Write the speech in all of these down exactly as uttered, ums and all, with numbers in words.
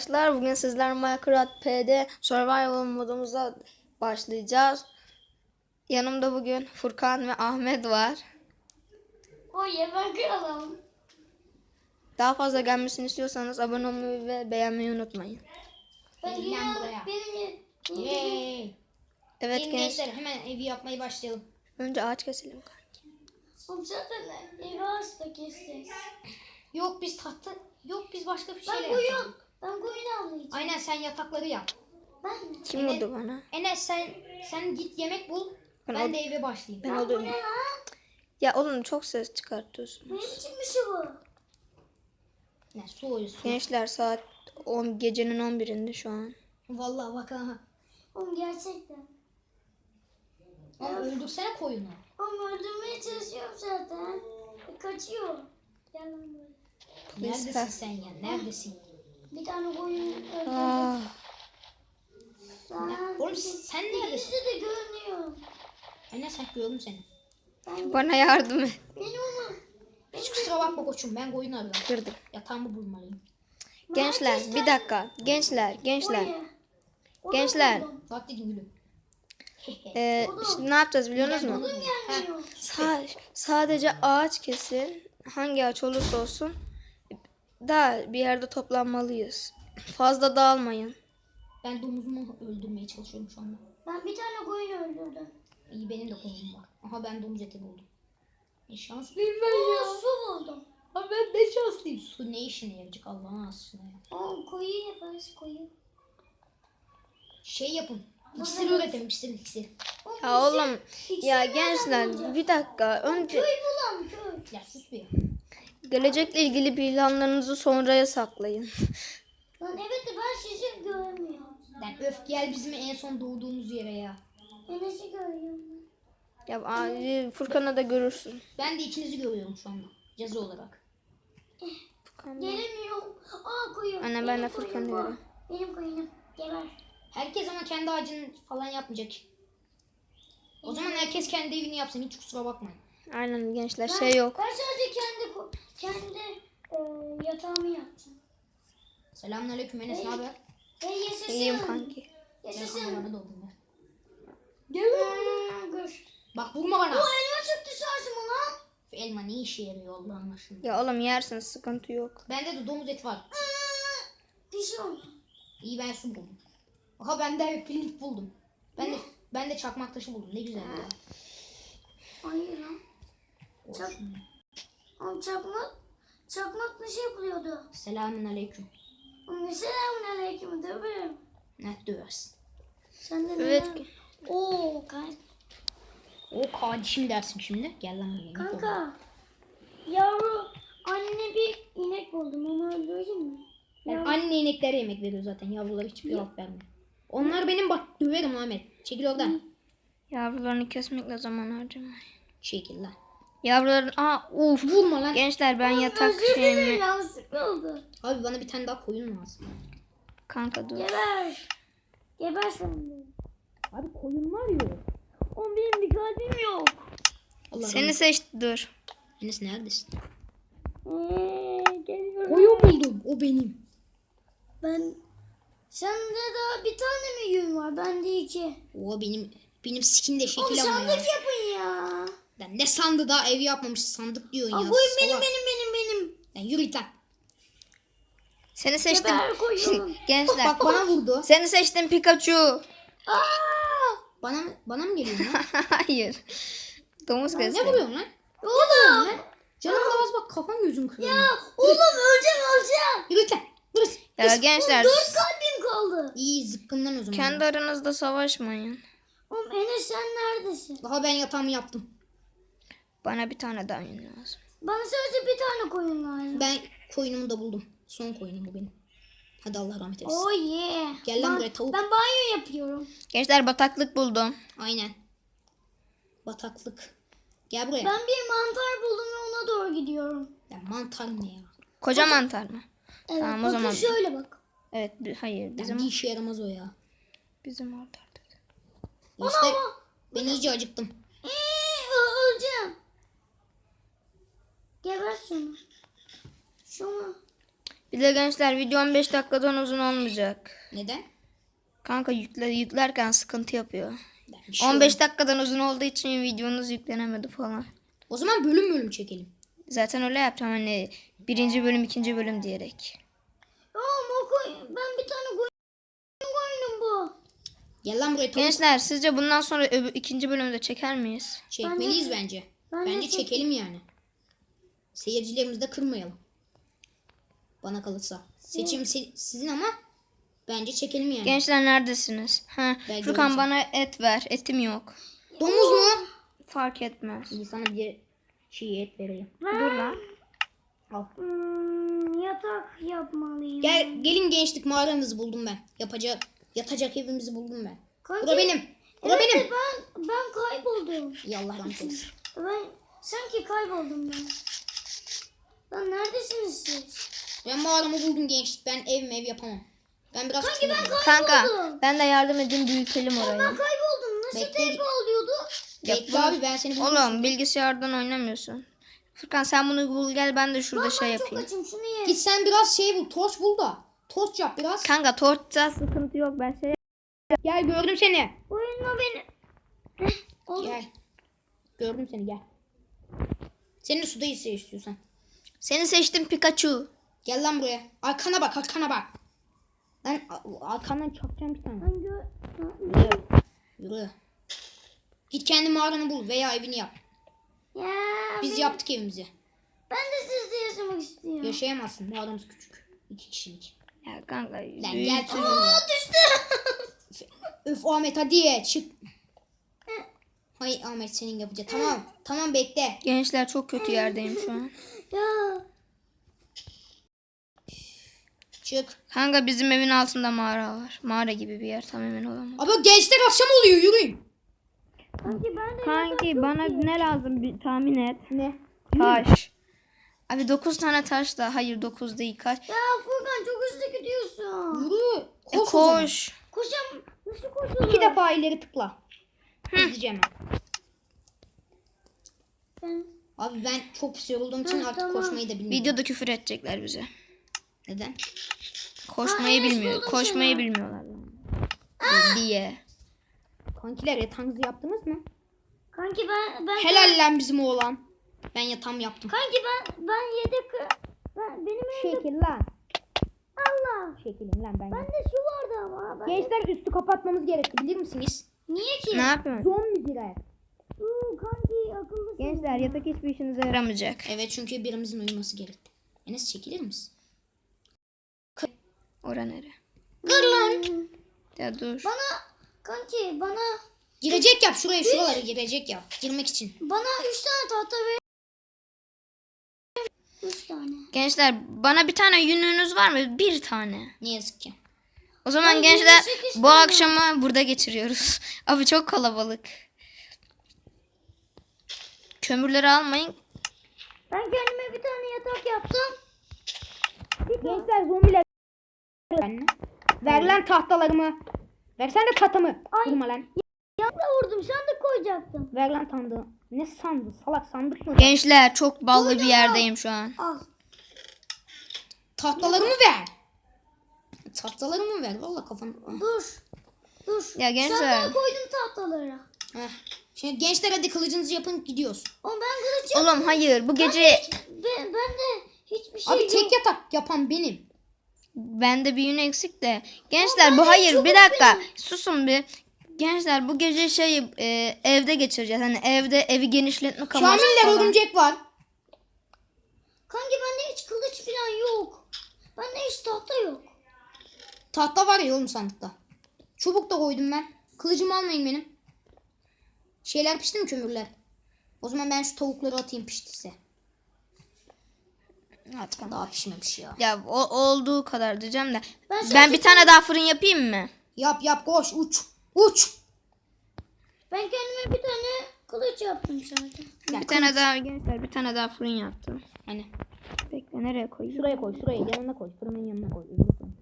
arkadaşlar. Bugün sizler Minecraft P'de Survival modumuza başlayacağız. Yanımda bugün Furkan ve Ahmet var. Oy ya ben kralım. Daha fazla gelmesini istiyorsanız abone olmayı ve beğenmeyi unutmayın. Ben Gel lan buraya. benim Yay. Evet Gelin genç. gençler hemen evi yapmaya başlayalım. Önce ağaç keselim. Oğlum zaten evi hasta keseceğiz. Yok biz tahta, yok biz başka bir Ben şeyler koyun, yapalım. ben koyun avlayacağım. Aynen sen yatakları yap. Ben mi? Kim vurdu bana? Enes sen sen git yemek bul. Ben Ben, o- de eve başlayayım. Ben Bu oldum. ne lan? Ya oğlum çok ses çıkartıyorsun. Ne biçim bir şey bu? Ne su oyu su. Gençler saat on gecenin on birinde şu an. Vallahi bak ha. Oğlum gerçekten. Ama öldürsene koyunu. Oğlum öldürmeye çalışıyorum zaten. E, kaçıyor. Gel lan buraya. Neyse. Neredesin sen ya? Neredesin? Bir tane koyun öldürdüm. Ah, Sen- Oğlum sen neredesin? İkisi de görünüyor. Enes sen gördüm seni. Ben bana yardım et. Benim onu. Hiç kusura bakma koçum ben koyunu arıyorum. Kırdım. Yatağımı bulmalıyım. Gençler bir dakika. Gençler gençler. Oy. Onu Gençler. buldum. Bak dedim gülüm. Ee, şimdi ne yapacağız biliyor musunuz? Buldum ya. Gelmiyor. Sa- sadece ağaç kesin. Hangi ağaç olursa olsun. Da bir yerde toplanmalıyız. Fazla dağılmayın. Ben domuzumu öldürmeye çalışıyorum şu anda. Ben bir tane koyun öldürdüm. İyi benim de konum var. Aha ben domuz eti buldum. Ne şanslıyım ben Oo, ya. su buldum. Ha ben de şanslıyım. Su ne işine yarayacak Allah'ın aşkına ya. Oo, koyun yaparız koyun. Şey yapın. İksir üretelim iksir iksir. Oğlum, Ya bir şey- oğlum ikisi ya nereden gençler bulacağız? bir dakika. Önce Köy bulalım köy. Ya sus bir. gelecekle ilgili planlarınızı sonraya saklayın. Lan evet de ben sizi görmüyorum. Lan öf gel bizim en son doğduğumuz yere ya. Enes'i görüyorum. Ya a- Furkan'ı da görürsün. Ben de ikinizi görüyorum şu anda. Ceza olarak. Furkan da- Gelemiyorum. Aa koyun. Anne, ben Benim de Furkan'ı koyunum bu. görüyorum. Benim koyunum. Geber. Herkes ama kendi ağacını falan yapmayacak. O zaman herkes kendi evini yapsın. Hiç kusura bakmayın. Aynen gençler Ben- şey yok. Ben sadece kendi ko- kendi e, yatağımı yaptım. Selamünaleyküm Enes ne haber? Ve yaşasın. İyiyim kanki. Gel kanka Yaşasın. bana da oldum ya. Hmm, dur. Bak vurma bana. O elma çıktı şarjıma lan. Şu elma ne işe yarıyor Allah'ın aşkına. Ya oğlum yersin sıkıntı yok. Bende de domuz eti var. Diş oldu. İyi ben su buldum. Aha ben de pirinç buldum. Ben de ben de çakmak taşı buldum. Ne güzel ya. Hayır lan. Çak, Olsun. oğlum çakmak, çakmak nasıl yapılıyordu? Selamünaleyküm. Oğlum ne selamun aleyküm tabii. Ne döversin? Sen de Evet. ne? Oo kanka. O kardeşim dersin şimdi. Gel lan buraya. Kanka. Yavru anne bir inek buldum onu öldüreyim mi? Ben Yavru- anne ineklere yemek veriyor zaten. Yavrular hiçbir cevap vermiyor. Onlar benim bak döverim Ahmet. Çekil oradan. Yavrularını kesmekle zaman harcamayın. Çekil lan. Yavruların aa uf. Vurma lan. Gençler ben yatak Özür dilerim şeyimi yanlışlıkla oldu. Abi bana bir tane daha koyun lazım. kanka dur. Geber. Geber sen de. Abi koyun var ya. Oğlum benim bir kalbim yok. Allah Seni seçti dur. Enes neredesin? Eee geliyorum. Koyun buldum. O benim. Ben sende daha bir tane mi yün var? Bende iki. O benim benim skin de Oğlum şekil ama sandık ya. yapın ya. Lan ne sandı daha evi yapmamış sandık diyorsun Aa, ya. bu benim salak. benim benim benim. Lan yürü git lan. Seni seçtim. Geber koyun. Gençler. Bak bana vurdu. Seni seçtim Pikachu. Aa! Bana mı bana mı geliyor lan? Hayır. Domuz Ne kestim. vuruyorsun lan? Oğlum. Canım az bak kafan gözün kırıyor. Ya oğlum öleceğim öleceğim. Yürü git lan. Yürü. Ya gençler Dört kalbim kaldı. İyi zıkkımdan o zaman. kendi aranızda savaşmayın. Oğlum Enes sen neredesin? Daha ben yatağımı yaptım. Bana bir tane daha yün lazım. Bana sadece bir tane koyun lazım. Ben koyunumu da buldum. Son koyunum bu benim. Hadi Allah rahmet eylesin. Oh yeah. Gel lan Ben- buraya tavuk. Ben banyo yapıyorum. Gençler bataklık buldum. Aynen. Bataklık. Gel buraya. Ben bir mantar buldum ve ona doğru gidiyorum. Ya mantar ne ya? Koca mantar mı? Evet Tamam, o bakın zaman- şöyle bak. Evet bi- hayır Bizim... bizim Bir işe yaramaz o ya. bizim mantar dedi. İşte ben iyice acıktım. Eee ö- öleceğim. Geber şunu. Şunu. Bir de gençler video on beş dakikadan uzun olmayacak. Neden? Kanka yükle, yüklerken sıkıntı yapıyor. Bir şey on beş olmaz. dakikadan uzun olduğu için videonuz yüklenemedi falan. O zaman bölüm bölüm çekelim. Zaten öyle yapacağım hani birinci bölüm ikinci bölüm diyerek. Ya Moko, ben bir tane koyun koydum bu. Gel lan buraya tavuk. Gençler sizce bundan sonra öbür, ikinci bölümde çeker miyiz? Çekmeliyiz bence. Ben de Bence çek- çekelim yani. Seyircilerimizi de kırmayalım. Bana kalırsa. Seçim se- sizin ama bence çekelim yani. Gençler neredesiniz? Ha, Ben Furkan göreceğim. bana et ver. Etim yok. Domuz mu? Fark etmez. İyi, sana bir şey et vereyim. Dur lan. Al. Hmm, yatak yapmalıyım. Gel, gelin gençlik, mağaramızı buldum ben. Yapacak, yatacak evimizi buldum ben. Kanki, Bura benim. Bura evet, benim. Ben, ben kayboldum. İyi, Allah rahmet eylesin. Ben sanki kayboldum ben. Lan neredesiniz siz? Ben mağaramı buldum gençlik. Ben ev ev yapamam. Ben biraz Kanki ben küçüğüm. Kanka kayboldum. ben de yardım edeyim büyütelim Ben orayı. kayboldum. Nasıl Bekle. teyp oluyordu? Bekle abi, ben seni buldum. Oğlum bilgisayardan oynamıyorsun. Furkan sen bunu bul gel ben de şurada şey Ben çok yapayım. açım, şunu ye. Git sen biraz şey bul. Torç bul da. Torç yap biraz. Kanka torçta sıkıntı yok ben şey Gel, gördüm seni. Oyunma beni. Heh, oldu. Gel. Gördüm seni, gel. Seni suda ise istiyorsan. Seni seçtim Pikachu. Gel lan buraya. Arkana bak, arkana bak. Lan a- arkandan çakacağım bir tane. Ben gö- Yürü. Yürü. Git kendi mağaranı bul veya evini yap. Ya Biz ben, yaptık evimizi. ben de sizde yaşamak istiyorum. Yaşayamazsın. Mağaramız küçük. İki kişilik. Ya kanka Lan büyüt- gel çocuğum ya. Aa, düştü. Öf Ahmet hadi çık. Hayır Ahmet, senin yapacak. Tamam. Tamam bekle. Gençler çok kötü yerdeyim şu an. Ya Çık. Kanka bizim evin altında mağara var. Mağara gibi bir yer tam emin olamam. Abi gençler akşam oluyor, yürüyün. kanki ben de Kanki bana ne lazım bir tahmin et. Ne? Taş. Abi dokuz tane taş da. Hayır dokuz değil kaç. Ya Furkan çok hızlı gidiyorsun. Yürü. E, Koş. o zaman. koş. Koşam nasıl koşuyorum? İki defa ileri tıkla. Hızlıca hemen. Ben Abi ben çok pis yorulduğum için Hı, artık tamam. koşmayı da bilmiyorum. Videoda küfür edecekler bize. Neden? Koşmayı Ha, Enes bilmiyor. buldum Koşmayı seni. bilmiyorlar. Diye. Kankiler yatağınızı yaptınız mı? kanki ben ben Helal lan bizim oğlan. Ben yatağımı yaptım. kanki ben ben yedek ben benim evimde Şekil lan. Allah. Şekilin lan ben. Bende su vardı ama. Ben Gençler üstü kapatmamız gerekti, bilir misiniz? Niye ki? Ne yapıyorsun? Zombi girer. Uu, kanki akıllısın. Gençler yatak hiçbir işinize yaramayacak. Evet, çünkü birimizin uyuması gerekti. Enes çekilir misin? Ora nere? Kır lan. Ya dur. Bana kanki bana Girecek yap şuraya, şuralara girecek yap. Girmek için. bana üç tane tahta ver. Üç tane. Gençler bana bir tane yününüz var mı? Bir tane. Ne yazık ki. O zaman Ay, gençler yirmi sekiz bu tane. akşamı burada geçiriyoruz. Abi çok kalabalık. Kömürleri almayın. Ben kendime bir tane yatak yaptım. Gençler zombiler. Ver lan tahtalarımı. Versene de tahtamı. Vurma lan. Yanına vurdum sandık koyacaktım. Ver lan sandığı. Ne sandı? Salak sandık mı? Gençler çok ballı bir Koydum yerdeyim şu an. Al. Tahtalarımı ver. Tahtalarımı ver. Valla kafam. Dur. Dur. Ya gençler. Sandığa koydum tahtaları. Heh. Şimdi gençler hadi kılıcınızı yapın, gidiyoruz. Ama ben kılıç Oğlum hayır bu gece ben, ben de hiçbir şey Abi yok. tek yatak yapan benim. bende bir yün eksik de. Gençler bu hayır bir dakika susun bir. Gençler bu gece şey e, evde geçireceğiz. Hani evde evi genişletme amaçlı Şamiller falan. örümcek var. Kanki bende hiç kılıç falan yok. Bende hiç tahta yok. Tahta var ya oğlum sandıkta. Çubuk da koydum ben. Kılıcımı almayın benim. Şeyler pişti mi, kömürler? O zaman ben şu tavukları atayım piştiyse. At kanka. Daha pişmemiş ya. Ya o, olduğu kadar diyeceğim de. Ben Ben, sadece bir tane daha fırın yapayım mı? Yap yap, koş uç. Uç. Ben kendime bir tane kılıç yaptım zaten. Ya Bir tane daha gençler bir tane daha fırın yaptım. Hani Bekle nereye koyayım? şuraya koy, şuraya yanına koy. Fırının yanına koy. öbür fırın.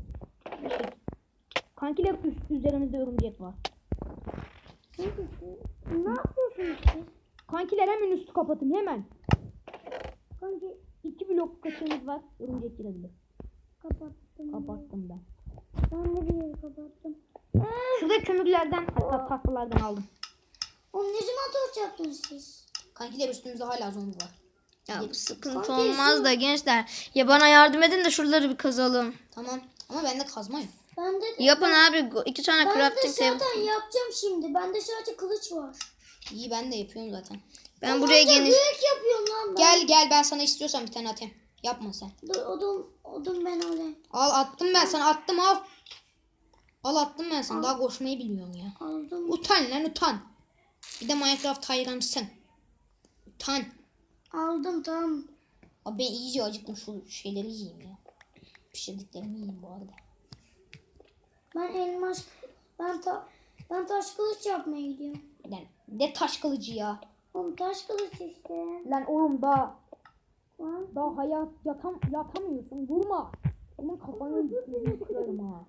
Kankiler üst üzerimizde örümcek var. Kanki, ne yapıyorsunuz siz? Kankiler hemen üstü kapatın hemen. Kanki İki blok kaçığımız var. Örümcek girebilir. Kapattım. Kapattım ben. Ben de bir yeri kapattım. Şurada kömürlerden hatta tahtalardan aldım. Oğlum ne zaman torç yaptınız siz? Kankiler üstümüzde hala zombi var. Ya bu sıkıntı Kanka, olmaz şu- da gençler. Ya bana yardım edin de şuraları bir kazalım. Tamam ama bende kazma yok. Ben de Yapın abi. iki tane ben de crafting table. zaten yapacağım şimdi. Bende sadece kılıç var. İyi ben de yapıyorum zaten. Ben buraya Ancak geniş... büyük yapıyorum lan ben. Gel gel ben sana istiyorsan bir tane atayım. Yapma sen. Dur odun, odun ben alayım. Al attım ben sana attım al. Al attım ben sana daha koşmayı bilmiyorsun ya. Aldım. Utan lan utan. Bir de Minecraft hayranısın. Utan. Aldım tamam. Abi ben iyice acıktım şu şeyleri yiyeyim ya. Pişirdiklerimi yiyeyim bu arada. Ben elmas ben ta, ben taş kılıç yapmaya gidiyorum. Lan ne taş kılıcı ya. Oğlum taş kılıç işte. Lan oğlum daha Lan. daha hayat yatam yatamıyorsun vurma. Onun kafanı yüzünü kırarım ha.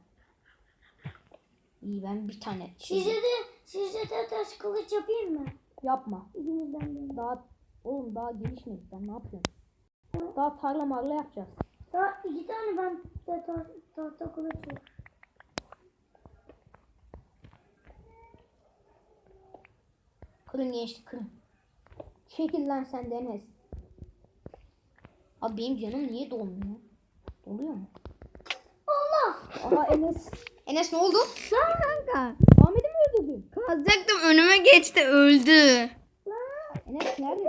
İyi ben bir tane şey Size de size de taş kılıç yapayım mı? yapma. İkinizden biri. Daha oğlum daha gelişmedik ben ne yapıyorum? Daha tarla marla yapacağız. Daha iki tane ben de ta, tahta kılıç var. Kırın gençlik kırın. Çekil lan sen de Enes. Abi benim canım niye dolmuyor? Doluyor mu? Allah! Aha Enes. Enes ne oldu? Lan kanka. Ahmet'i mi öldürdün? Kazacaktım önüme geçti öldü. Enes nerede?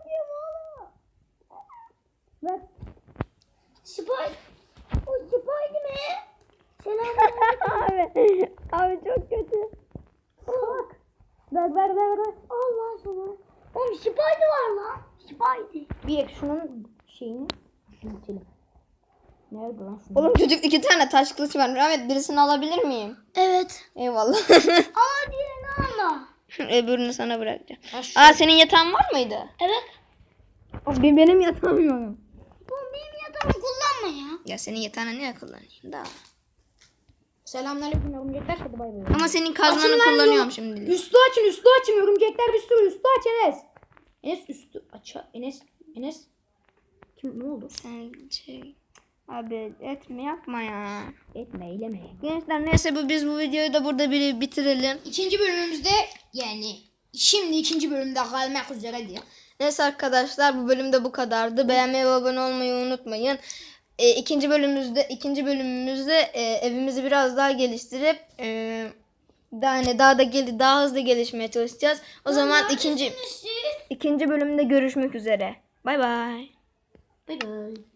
Ver. Spy. O Spy'di mi? Selam. abi, abi çok kötü. Bak. Ver ver ver ver. Allah sana. Oğlum Spy'di var lan. Spy'di. Bir şunun şeyini büyütelim. Nerede lan şunu? Oğlum çocuk iki tane taş kılıç var. Ahmet birisini alabilir miyim? Evet. Eyvallah. Aa diğerini alma. Öbürünü sana bırakacağım. Ha, şu- Aa senin yatağın var mıydı? Evet. Abi benim yatağım yok. Oğlum benim yatağımı kullanma ya. Ya senin yatağını niye kullanayım da? Selamünaleyküm örümcekler. Hadi bay bay. Ama senin kazmanı Açın lan kullanıyorum yolu. şimdi. Üstü açın üstü açın örümcekler bir sürü üstü aç Enes. Enes üstü aç Enes Enes. Kim ne oldu? Sen şey... Abi etme yapma ya. Etme eyleme. Gençler neyse bu biz bu videoyu da burada bir bitirelim. İkinci bölümümüzde yani şimdi ikinci bölümde kalmak üzere diye. Neyse arkadaşlar bu bölümde bu kadardı. Beğenmeyi ve abone olmayı unutmayın. E, ikinci bölümümüzde ikinci bölümümüzde e, evimizi biraz daha geliştirip e, daha hani daha da gel daha hızlı gelişmeye çalışacağız. O zaman ikinci Siz. ikinci bölümde görüşmek üzere. Bay bay. Bay bay.